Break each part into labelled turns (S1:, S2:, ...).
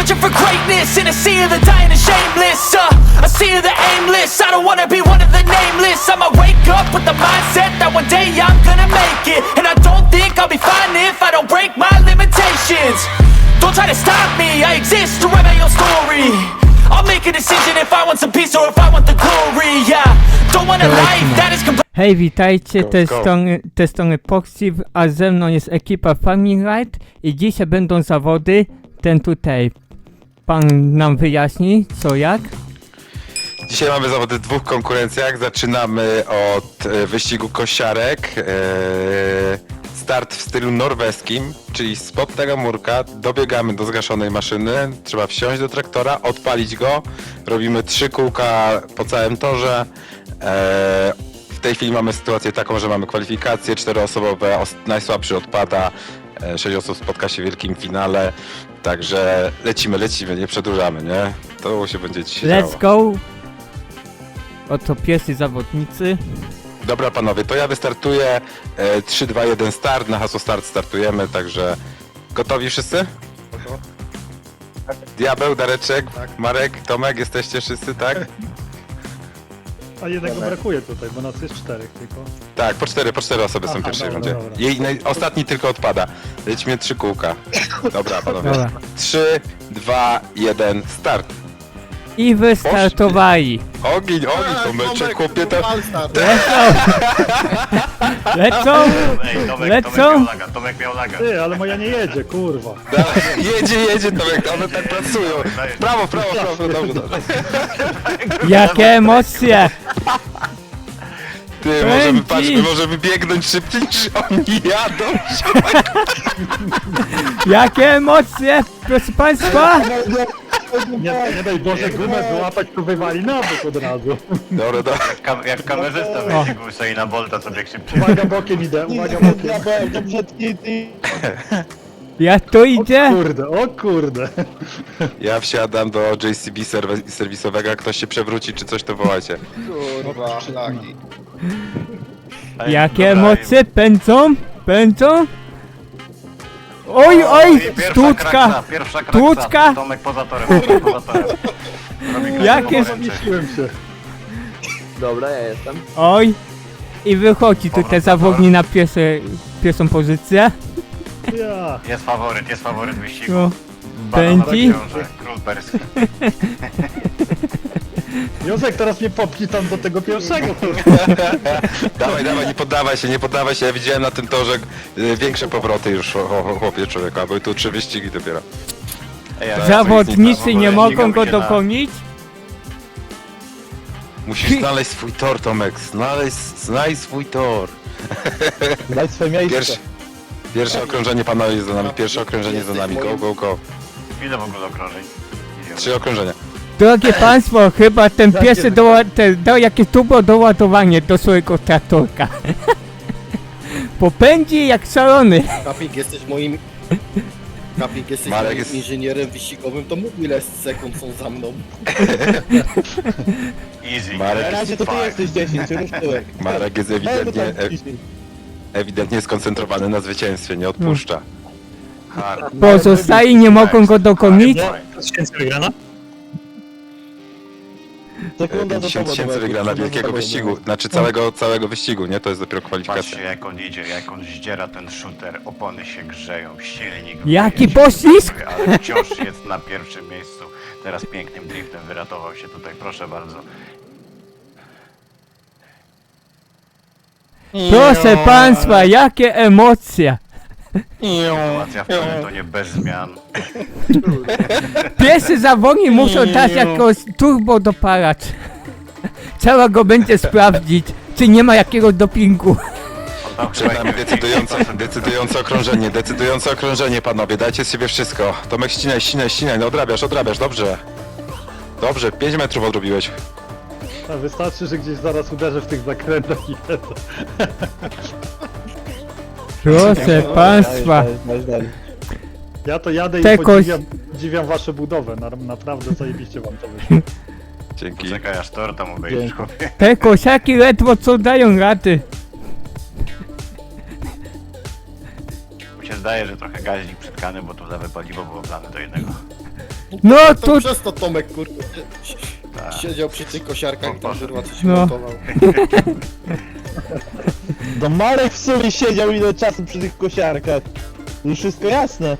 S1: Searching for greatness in a sea of the dying and shameless. A sea of the aimless. I don't wanna be one of the nameless. I'ma wake up with the mindset that one day I'm gonna make it. And I don't think I'll be fine if I don't break my limitations. Don't try to stop me, I exist to write my own story. I'll make a decision if I want some peace or if I want the glory. Yeah, don't want a life that is complete.
S2: Hej, witajcie, te strony Poxiv, a ze mną jest ekipa Farming Ride i dzisiaj będą zawody, ten tutaj pan nam wyjaśni co jak.
S3: Dzisiaj mamy zawody w dwóch konkurencjach. Zaczynamy od wyścigu kosiarek. Start w stylu norweskim, czyli spod tego murka dobiegamy do zgaszonej maszyny. Trzeba wsiąść do traktora, odpalić go. Robimy 3 kółka po całym torze. W tej chwili mamy sytuację taką, że mamy kwalifikacje 4-osobowe, najsłabszy odpada. 6 osób spotka się w wielkim finale. Także lecimy, nie przedłużamy, nie? To się będzie dzisiaj działo.
S2: Let's go! Oto pierwsi zawodnicy.
S3: Dobra panowie, to ja wystartuję. 3, 2, 1 start, na hasło start startujemy, także gotowi wszyscy? Diabeł, Dareczek, tak. Marek, Tomek, jesteście wszyscy, tak?
S4: A jednego brakuje tutaj, bo nas jest 4 tylko.
S3: Tak, po 4 osoby są w pierwszej rundzie. Ostatni tylko odpada. Lecimy 3 kółka. Dobra panowie.
S2: Dobra.
S3: 3, 2, 1 start.
S2: I wystartowali.
S3: Ogień, Tomeczek, chłopie to...
S2: Lecą! Lecą!
S5: Tomek miał laga.
S4: Ty, ale moja nie jedzie, kurwa.
S3: Jedzie Tomek, one tak pracują. Prawo, dobrze.
S2: Jakie emocje!
S3: Ty, może wybiegnąć szybciej niż oni jadą.
S2: Jakie emocje! Proszę państwa!
S4: Nie daj Boże gumę wyłapać, to wywali na bok od razu.
S3: Dobra.
S5: Jak kamerzysta wyścigu stoi na Bolta, co bieg szybciej.
S4: Uwaga bokiem idę, uwaga bokiem.
S2: Jak to idzie?
S4: O kurde.
S3: Ja wsiadam do JCB serwisowego, jak ktoś się przewróci czy coś, to wołajcie.
S6: Kurwa, szlaki.
S2: Jakie emocje pędzą? Oj, sztuczka!
S5: Pierwsza
S2: Sztuczka!
S5: kraksa. Tomek poza torem.
S2: Jakie...
S4: Zniszczyłem się.
S6: Dobra, ja jestem.
S2: Oj! I wychodzi tutaj zawodnik na pierwszą pozycję.
S4: Ja.
S5: Jest faworyt wyścigu.
S2: No.
S5: Banana
S2: Pędzi.
S5: książę, Król perski.
S4: Józek, teraz mnie popchnij tam do tego pierwszego.
S3: Dawaj, nie poddawaj się, ja widziałem na tym torze większe powroty już, chłopie człowieku, a były tu 3 wyścigi dopiero.
S2: Zawodnicy nie mogą go dogonić.
S3: Musisz znaleźć swój tor, Tomek, znajdź swój tor.
S4: Daj swoje miejsce.
S3: Pierwsze okrążenie panowie jest za nami, go.
S5: Ile w ogóle okrążeń?
S3: 3 okrążenia.
S2: Drogie państwo, chyba ten pierwszy dał jakieś turbo doładowanie do swojego traktorka. Popędzi jak szalony.
S6: Kapik, jesteś moim
S3: Marek jest-
S6: inżynierem wyścigowym, to mów ile sekund są za mną.
S5: Easy.
S3: Marek,
S6: Na razie to ty jesteś 10, już tyłek.
S3: Marek jest ewidentnie skoncentrowany na zwycięstwie, nie odpuszcza.
S5: Hard.
S2: Pozostali nie mogą go dogonić.
S4: 1000 wygrana?
S6: Sekunda
S3: 50 tysięcy wygrana wielkiego wyścigu, znaczy całego wyścigu, nie? To jest dopiero
S5: Patrzcie
S3: kwalifikacja.
S5: jak on idzie, jak on zdziera ten shooter, opony się grzeją, silnik...
S2: Jaki
S5: wyjedzie,
S2: poślizg!
S5: Ale wciąż jest na pierwszym miejscu. Teraz pięknym driftem wyratował się tutaj, proszę bardzo.
S2: Proszę państwa, jakie emocje!
S5: Sytuacja w peletonie bez zmian.
S2: Pierwszy zawodnik muszą dać jakoś turbo dopalacz. Trzeba go będzie sprawdzić, czy nie ma jakiegoś dopingu.
S3: Przed nami decydujące okrążenie, panowie, dajcie z siebie wszystko. Tomek, ścinaj, no odrabiasz, dobrze. Dobrze, 5 metrów odrobiłeś.
S4: A wystarczy, że gdzieś zaraz uderzę w tych zakrętach i to.
S2: Proszę państwa.
S4: Ja to jadę
S2: Tekoś.
S4: i podziwiam wasze budowę, naprawdę zajebiście wam to wyszło.
S3: Dzięki.
S5: Czekaj aż tor tam obejrzysz, chłopie.
S2: Te kosiaki ledwo co dają rady.
S5: Mi się zdaje, że trochę gaźnik przytkany, bo tu lewe paliwo było wlane do jednego.
S2: No
S6: To
S2: tu...
S6: przez to Tomek, kurde, siedział przy tych kosiarkach i tam kurwa coś
S2: No.
S6: montował.
S7: No Marek w sumie siedział ile czasu przy tych kosiarkach. Już wszystko jasne.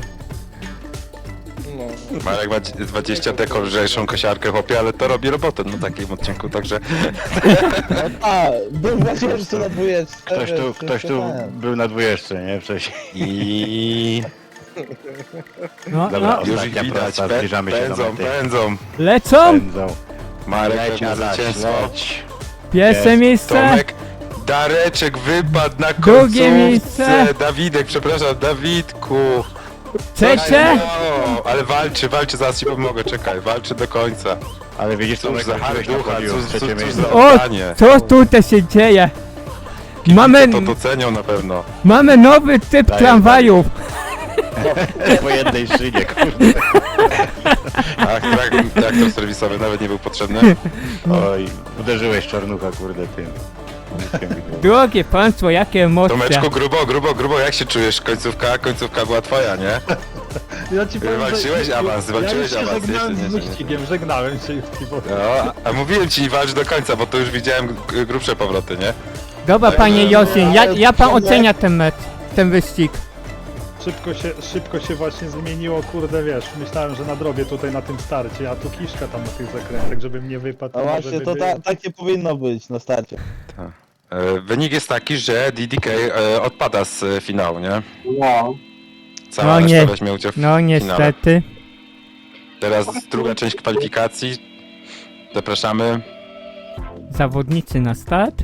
S6: No.
S3: Marek ma 20 deką lżejszą kosiarkę, chłopie, ale to robi robotę na takim odcinku, także...
S7: A, był właśnie po prostu na 20.
S5: Ktoś tu był na 20, nie? Wcześniej.
S3: I...
S2: No,
S5: Dobra,
S2: no.
S3: Już ich
S5: ostatnia
S3: widać,
S5: prosta, zbliżamy się do
S3: pędzą,
S5: mety.
S3: pędzą.
S2: Lecą!
S5: Pędzą.
S3: Marek
S5: Leć,
S3: pewnie
S5: Adaś,
S3: zwycięstwo.
S5: leć.
S2: Pierwsze
S5: Jest.
S2: miejsce!
S3: Tomek, Dareczek wypadł na
S2: Drugie
S3: końcówce.
S2: miejsce.
S3: Dawidek, przepraszam, Dawidku.
S2: Trzecie!
S3: No, ale walczy, zaraz ci pomogę, czekaj, walczy do końca.
S5: Ale widzisz, co
S3: Cóż za harducha, cóż za
S2: O,
S3: oddanie.
S2: co tutaj się dzieje? Mamy,
S3: To docenią na pewno.
S2: mamy nowy typ
S5: Daję,
S2: tramwajów.
S5: po jednej szynie, kurde.
S3: Ach, traktor serwisowy nawet nie był potrzebny.
S5: Oj, uderzyłeś czarnucha, kurde, tym.
S2: Drogie państwo, jakie emocje.
S3: Tomeczku, grubo, jak się czujesz? Końcówka była twoja, nie?
S4: Ja ci powiem,
S3: Walczyłeś
S4: że...
S3: awans, walczyłeś
S4: ja już się
S3: awans,
S4: żegnałem
S3: jeszcze
S4: z
S3: nie.
S4: wyścigiem, żegnałem się już Piwo.
S3: No, a mówiłem ci, nie walcz do końca, bo to już widziałem grubsze powroty, nie?
S2: Dobra, panie Josin, ja pan ocenia ten mecz, ten wyścig.
S4: Szybko się właśnie zmieniło, kurde, wiesz, myślałem, że nadrobię tutaj na tym starcie, a tu kiszka tam na tych zakrętach, żebym nie wypadł.
S7: No
S4: może
S7: właśnie,
S4: by
S7: to
S4: było.
S7: takie powinno być na starcie.
S3: Wynik jest taki, że DDK odpada z finału, nie?
S7: No.
S3: Cała
S2: No
S3: reszta
S2: nie.
S3: weźmie udział w
S2: No
S3: finale.
S2: niestety.
S3: Teraz druga część kwalifikacji. Zapraszamy.
S2: Zawodnicy na start.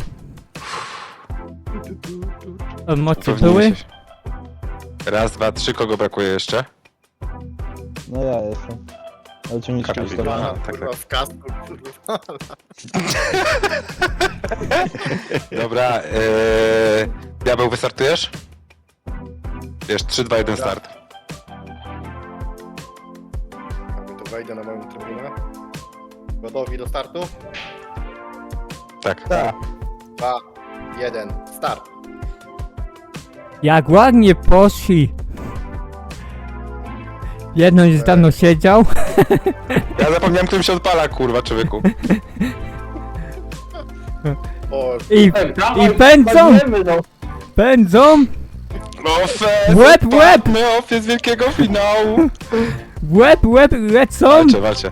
S2: Emocje
S3: Upewnijmy
S2: były?
S3: się. Raz, dwa, trzy, kogo brakuje jeszcze?
S7: No ja jestem. Ale czy mi się
S3: Kamil.
S7: ustawiło?
S3: Aha, tak,
S6: Kurwa, w kasku, kurwa.
S3: Dobra, Diabeł, wystartujesz? Wiesz, 3, 2, 1, start.
S6: To wejdę na moją trybunę. Gotowi do startu?
S3: Tak.
S7: Tak.
S6: 2, 1, start.
S2: Jak ładnie poszli. Jedno już dawno siedział.
S3: Ja zapomniałem, którym się odpala, kurwa, człowieku.
S6: O,
S2: I pędzą! Pędzą!
S3: Ofes!
S2: Łeb, łeb!
S3: odpadmy, Ofes z wielkiego finału!
S2: W łeb lecą!
S3: Walcie.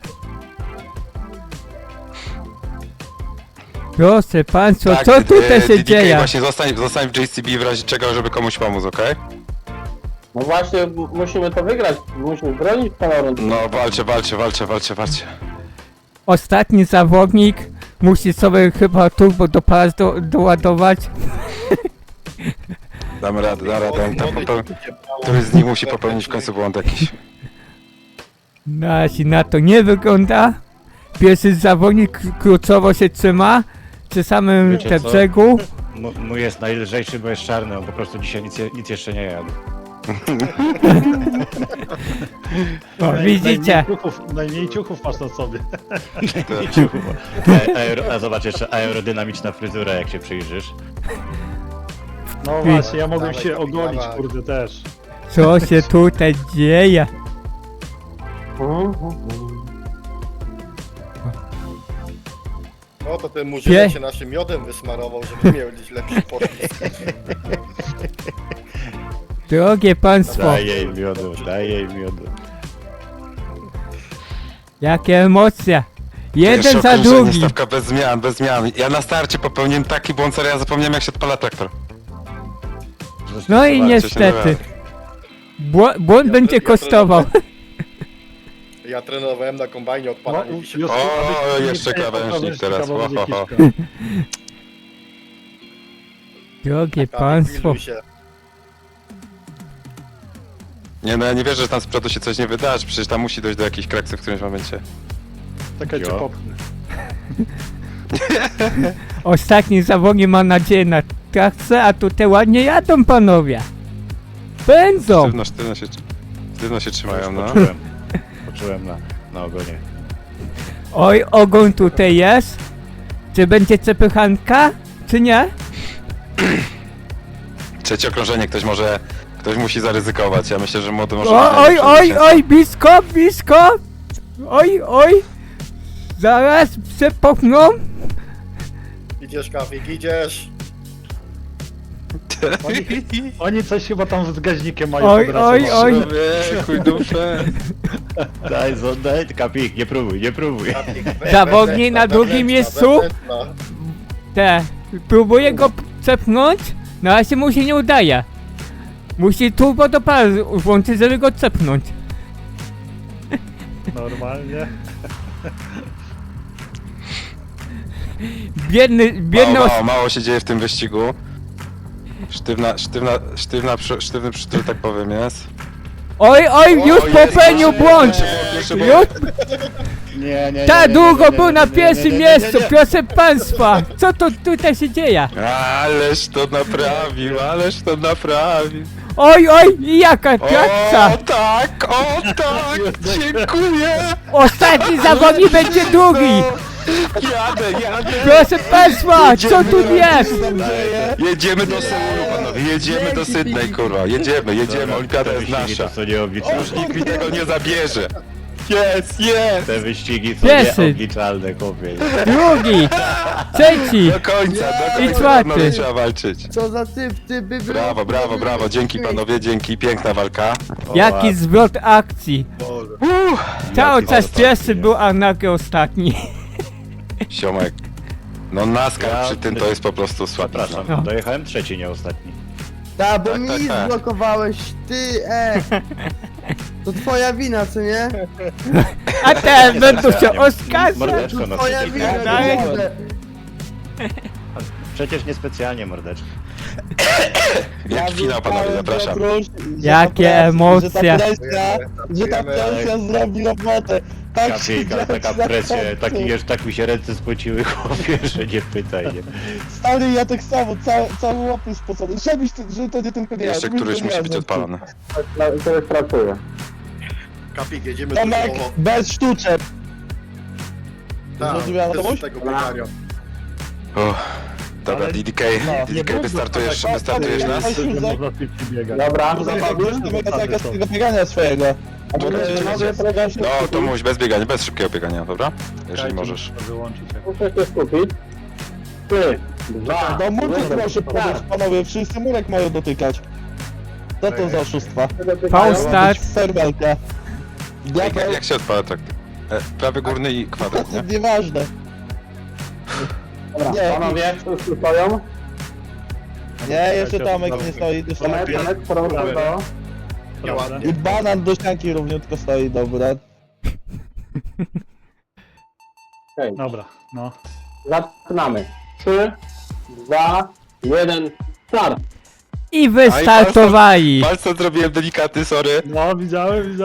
S2: Proszę państwa,
S3: Tak,
S2: co tutaj się
S3: DDK,
S2: dzieje?
S3: właśnie zostań w JCB w razie czego, żeby komuś pomóc, okej?
S8: No właśnie, musimy to wygrać, musimy bronić honoru.
S3: No, walcie.
S2: Ostatni zawodnik musi sobie chyba turbo do pas doładować.
S3: Damy radę. Któryś z nich musi popełnić w końcu błąd jakiś.
S2: Na to nie wygląda. Pierwszy zawodnik kluczowo się trzyma przy samym
S5: Wiecie
S2: te
S5: co?
S2: brzegu.
S5: Mój jest najlżejszy, bo jest czarny, on po prostu dzisiaj nic jeszcze nie jadł.
S2: O, widzicie?
S4: Najmniej ciuchów masz na sobie.
S5: A zobacz jeszcze aerodynamiczna fryzura, jak się przyjrzysz.
S4: No właśnie, ja mogłem
S6: Dawaj,
S4: się
S6: dawaj,
S4: ogolić,
S6: dawaj.
S4: kurde, też.
S2: Co się tutaj dzieje?
S6: no to ten murzynek się naszym miodem wysmarował, żeby miał gdzieś lepszy podpis.
S2: Drogie państwo,
S5: Daj jej miodu.
S2: jakie emocje. Jeden
S3: Pierwsze
S2: za
S3: okrążenie,
S2: drugi.
S3: stawka bez zmian. Ja na starcie popełniłem taki błąd, serio, ja zapomniałem jak się odpala traktor.
S2: No i
S3: Zobaczcie,
S2: niestety.
S3: się
S2: Błąd będzie kosztował.
S6: Ja trenowałem na kombajnie odpalanie
S4: No,
S6: wisi.
S4: już-
S3: O,
S4: nie
S3: jeszcze
S4: wiem,
S3: krawężnik
S4: to
S3: teraz.
S4: będzie
S3: Ho, ho, ho.
S4: kiszka.
S2: Drogie
S6: Tak,
S2: państwo.
S6: pilnuj się.
S3: Nie no, ja nie wierzę, że tam z przodu się coś nie wydarzy, przecież tam musi dojść do jakichś kraksów w którymś momencie.
S4: Czekaj, cię
S5: Jo.
S4: popchnę.
S2: Ostatni zawodnik ma nadzieję na trakcję, a tutaj ładnie jadą panowie. Pędzą.
S3: Sztywno się trzymają, no.
S5: Poczułem na ogonie.
S2: Oj, ogon tutaj jest. Czy będzie przepychanka, czy nie?
S3: Trzecie okrążenie, ktoś Ktoś musi zaryzykować, ja myślę, że młody może...
S2: Oj, blisko! Oj! Zaraz przepchną!
S6: Idziesz, Kawik, idziesz!
S4: Oni coś chyba tam z gaźnikiem mają
S2: Oj,
S4: podrasować.
S3: Chuj dupę.
S5: Daj, Kapik, nie próbuj.
S6: Kawik,
S2: Zawodnik na drugim miejscu. Próbuję go cepnąć, no ale się mu się nie udaje. Musi turbo do pary włączyć, żeby go cepnąć.
S4: Normalnie.
S2: Biedny
S3: Mało się dzieje w tym wyścigu. Sztywny przytul, tak powiem, jest.
S2: Oj, już popełnił błąd!
S3: Pierwszy
S2: Już
S7: Nie.
S2: tak długo był na pierwszym miejscu, proszę państwa! Co to tutaj się dzieje?
S3: Ależ to naprawił.
S2: Oj, i jaka trakcja!
S3: O tak, dziękuję.
S2: Ostatni zawodnik będzie drugi!
S3: Jadę.
S2: Proszę państwa, co tu jest?
S3: Jedziemy do Seulu, panowie, jedziemy do Sydney, kurwa, jedziemy, olimpiada jest nasza.
S5: To nieobliczalne.
S3: Już nikt mi tego nie zabierze. Jest.
S5: Te wyścigi są
S2: Piesy.
S5: nieobliczalne, chłopie.
S2: Drugi! Trzeci!
S3: Do końca,
S2: I czwarty.
S3: panowie, trzeba walczyć.
S7: Co za typ by
S3: Brawo, dzięki panowie, dzięki, piękna walka.
S2: Jaki zwrot akcji!
S6: Boże.
S2: Cały czas pierwszy był, a nagle ostatni.
S3: Siomek. No NASCAR
S5: Ja-
S3: przy tym to jest po prostu słabizna.
S5: Przepraszam, dojechałem trzeci, nie ostatni.
S7: Tak, bo
S3: Tak,
S7: mi
S3: tak.
S7: zblokowałeś, ty, To twoja wina, co nie?
S2: A teraz będą się oskarżać!
S5: Mordeczko, no
S7: Twoja
S5: przecież,
S7: wina,
S2: Dalej.
S7: kurde.
S5: przecież niespecjalnie, mordeczko.
S3: Wielki finał, panowie, zapraszam.
S2: Jakie emocje.
S7: Że ta presja zrobi robotę. Tak
S5: Kapik, ale taka presja, tak mi się ręce spociły, chłopie, że nie pytaj, nie.
S7: Stary, ja tak samo, cały łapy spocony. Żeby to nie tylko ja.
S3: Jeszcze
S7: żebyś
S3: któryś
S7: to
S3: musi
S7: miał,
S3: być
S7: no.
S3: odpalony.
S8: To jest pracuje.
S6: Kapik, jedziemy do
S7: Tomek,
S6: Solo.
S7: bez sztuczek.
S6: Tak,
S7: Zrozumiała
S6: bez
S7: komuś?
S6: tego biegania.
S3: Dobra,
S4: Ale-
S3: DDK,
S7: nie
S3: wystartujesz nas?
S4: Nie można szybciej biegać.
S8: Dobra,
S7: Zabawisz tego z tego biegania swojego.
S3: No to mówić bez biegania, bez szybkiego biegania, dobra? Jeżeli
S4: Czekajcie,
S3: możesz.
S4: muszę wyłączyć.
S8: muszę się skupić. 3, 2,
S7: No murek proszę podać,
S8: tak.
S7: panowie, wszyscy murek mają dotykać. Co to za oszustwa?
S2: Faustat,
S7: Serwelka.
S3: Jak się odpala tak? Prawy górny i kwadrat, nie?
S7: Nieważne.
S8: Dobra,
S7: Nie.
S8: panowie, wszyscy stoją.
S7: Nie, jeszcze Tomek nie stoi do
S8: Tomek,
S7: ścianki.
S8: proszę do...
S6: Nieładnie.
S7: I banan do ścianki równiutko stoi, dobra.
S8: Okej,
S4: Dobra, no.
S8: zaczynamy. 3, 2, 1, start!
S2: i wystartowali!
S3: Palce zrobiłem delikatny, sorry.
S4: No, widziałem.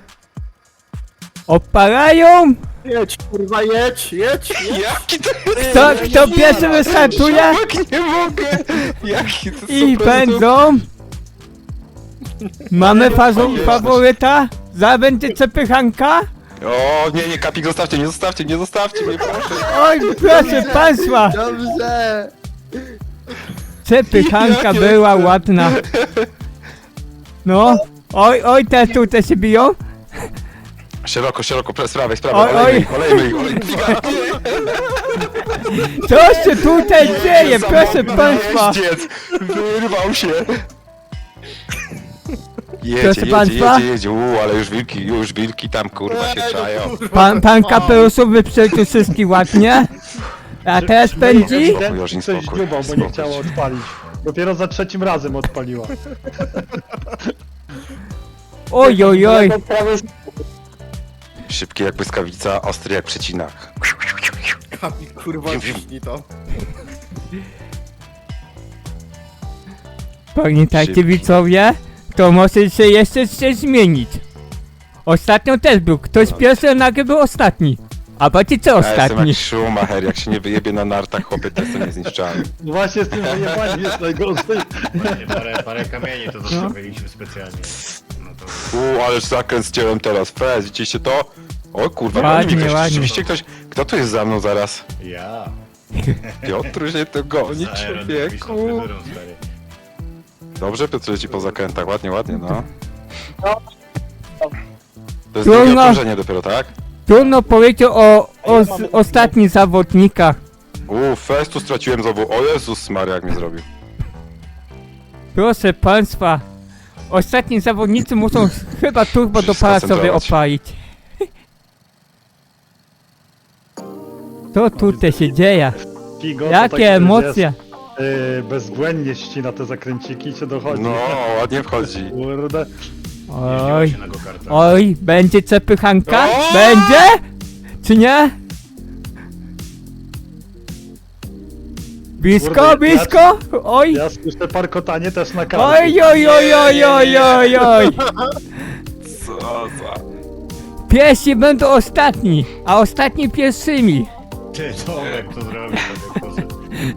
S2: Opalają!
S6: Jedź, kurwa, jedź!
S3: Jaki to jest?
S2: Kto pierwszy wystartuje?
S3: Siomek, nie mogę! Jaki to
S2: I
S3: po prostu-
S2: będą... Mamy faworyta? Za będzie przepychanka?
S3: O, nie, Kapik, nie zostawcie mnie, proszę.
S2: Oj, proszę państwa!
S7: Dobrze!
S2: Przepychanka
S3: Jakie
S2: była
S3: to-
S2: ładna. No. Oj, te tutaj się biją.
S3: Szeroko, z prawej,
S2: Oj,
S3: olejmy ich.
S2: Co się tutaj dzieje, proszę państwa?
S3: Jeździec, wyrwał się.
S2: Proszę państwa?
S3: Jedzie, ale już wilki tam, kurwa, się czają.
S2: Pan kapeluszowy wyprzedził wszystkich ładnie. A teraz pędzi?
S3: Już
S4: Coś
S3: spokój,
S4: dziubał, bo
S3: spokój.
S4: nie chciało odpalić. Dopiero za trzecim razem odpaliła.
S2: Oj.
S3: Szybki jak błyskawica, ostry jak przecinak.
S6: Kapik, kurwa, ciśnij to.
S2: Pamiętajcie
S3: Szybki.
S2: widzowie, to może się jeszcze coś zmienić. Ostatnio też był, ktoś pierwszy, a nagle był ostatni. A patrzcie co
S3: Ja jestem
S2: ostatni.
S3: jak Schumacher, jak się nie wyjebie na nartach, chłopie, to jestem niezniszczalny.
S4: No właśnie z tym wyjebaniem jest najgorzej.
S5: Parę kamieni to zostawiliśmy specjalnie. No to...
S3: Ależ zakręt zdjąłem teraz, fez, widzieliście to? O kurwa,
S2: Ładnie,
S3: goni mi ktoś,
S2: ładnie.
S3: rzeczywiście ktoś, kto tu jest za mną zaraz?
S5: Ja.
S3: Piotr się to goni,
S5: Z aerodynamiczną
S3: człowieku.
S5: fryzurą, stary.
S3: Dobrze, Piotr leci po zakrętach, ładnie, ładnie, no. To jest
S2: Trudno.
S3: drugie okrążenie dopiero, tak?
S2: Trudno powiedzieć o ostatnich zawodnikach.
S3: Festu straciłem znowu, o Jezus Maria, jak mi zrobił.
S2: Proszę państwa, ostatni zawodnicy muszą chyba turbo do para sobie
S3: Skoncentrować.
S2: opalić. Co tutaj się dzieje?
S4: Figo, to
S2: Jakie
S4: taki,
S2: emocje?
S4: wiesz, bezbłędnie ścina te zakręciki i cię dochodzi.
S3: No, ładnie wchodzi.
S4: Kurde.
S2: Oj,
S5: Na go-kartach.
S2: oj, będzie przepychanka?
S3: O!
S2: Będzie? Czy nie? Blisko,
S4: Kurde,
S2: blisko? Oj,
S4: Ja słyszę parkotanie też na kartę.
S2: oj, oj, oj, oj, oj, oj, oj.
S3: Co za...
S2: Pierwsi będą ostatni, a ostatni pierwszymi.
S5: Ty, Tomek to zrobił, tak poszedł.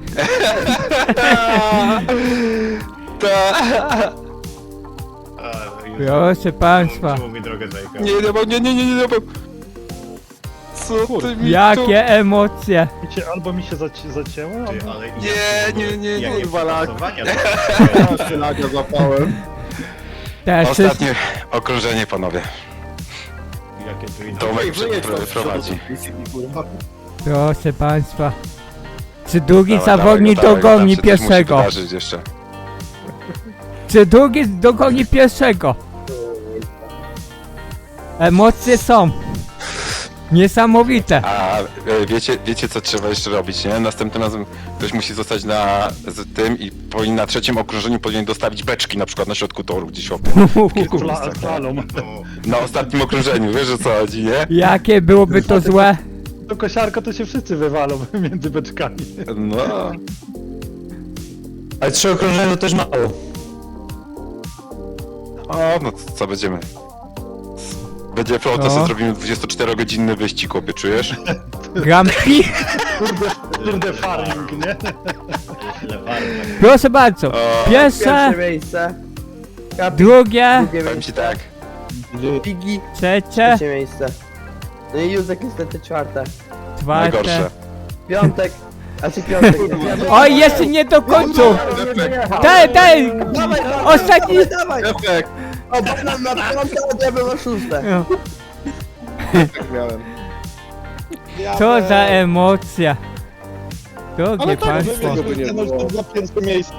S2: Proszę państwa,
S5: Czemu mi drogę zajechał?
S3: Nie, nie, Co ty mi
S2: jakie emocje.
S4: Albo mi się zacięło,
S5: Ty,
S4: albo...
S5: ale
S3: Nie,
S5: jakie
S3: walak.
S5: przepasowania
S7: Ja się nagle zapałem.
S2: Też jest,
S3: Ostatnie okrążenie, panowie.
S5: Jakie tu inne.
S3: Tomek prowadzi.
S2: proszę państwa. Czy drugi
S3: Dawaj,
S2: zawodnik
S3: dawaj go,
S2: dogoni
S3: tam się coś musi
S2: pierwszego?
S3: wydarzyć jeszcze.
S2: Czy drugi dogoni pierwszego? Emocje są. Niesamowite.
S3: A wiecie co trzeba jeszcze robić, nie? Następnym razem ktoś musi zostać z tym i na trzecim okrążeniu powinien dostawić beczki na przykład na środku toru gdzieś
S4: Slalom.
S5: No,
S3: na ostatnim okrążeniu, wiesz o co chodzi, nie?
S2: Jakie byłoby to złe?
S4: To kosiarko to się wszyscy wywalą między beczkami.
S3: No.
S7: Ale 3 okrążenia to też mało.
S3: O, no to co będziemy? Będzie to
S2: No.
S3: sobie zrobimy 24-godzinny wyścig, chłopie, czujesz?
S2: Grand Prix?
S4: Kurde farming, nie?
S5: tyle farm.
S2: Proszę bardzo.
S3: O,
S2: Pierwsze,
S9: miejsce.
S2: drugie,
S3: powiem ci tak.
S9: Pigi,
S2: trzecie,
S9: trzecie miejsce. No i Józek niestety czwarte.
S2: czwarte.
S3: Najgorsze.
S9: Piątek. A czy piątek? Nie, piątek.
S2: Oj, jeszcze nie do końca. Daj,
S9: Dawaj,
S2: ostatni.
S9: dawaj! O, banan na piąte, a ja bym na szóste.
S2: No,
S6: Tak miałem.
S2: co za emocja. Drogie państwo.
S7: Za pierwsze miejsca.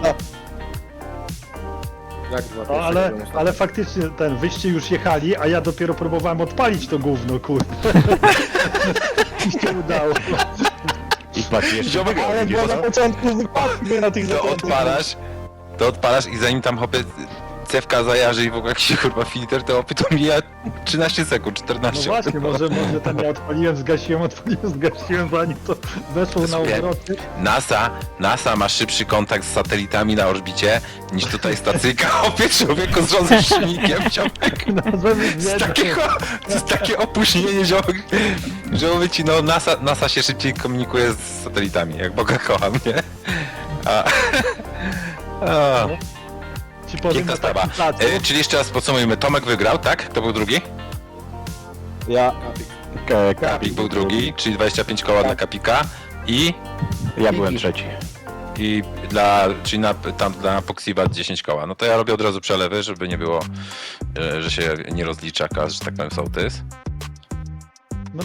S6: Jak dwa
S4: No, ale faktycznie ten wyście już jechali, a ja dopiero próbowałem odpalić to gówno, kurde. Mi się udało.
S5: I patrz, jeszcze
S3: Ziomek,
S7: Ale było na początku wypadki na tych
S3: to odpalasz i zanim tam hopie cewka zajarzy i w ogóle jakiś kurwa filtr, to hopie to mija 13 sekund,
S4: No
S3: 14.
S4: właśnie, może tam ja odpaliłem, zgasiłem, zanim to weszło na
S3: Słuchaj,
S4: obroty.
S3: NASA ma szybszy kontakt z satelitami na orbicie niż tutaj stacyjka. Hopie, człowieku z żonym silnikiem, ziomek. To jest takie opóźnienie, ziomek, że mówię ci, no NASA się szybciej komunikuje z satelitami, jak Boga kocham, nie? A,
S4: Ci powiem
S3: piękna
S4: na
S3: sprawa.
S4: takim placu.
S3: Czyli jeszcze raz podsumujmy, Tomek wygrał, tak? Kto był drugi?
S7: Ja.
S3: Kapik był drugi, czyli 25 koła dla Kapika i...
S5: Ja byłem trzeci.
S3: Czyli dla Poxiva 10 koła. No to ja robię od razu przelewy, żeby nie było, że się nie rozlicza kas, że tak powiem sołtys.
S4: No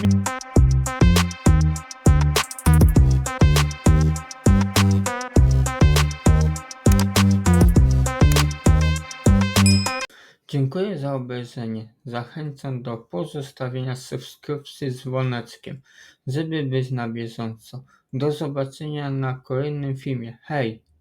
S2: Dziękuję za obejrzenie. Zachęcam do pozostawienia subskrypcji z dzwoneczkiem, żeby być na bieżąco. Do zobaczenia na kolejnym filmie. Hej!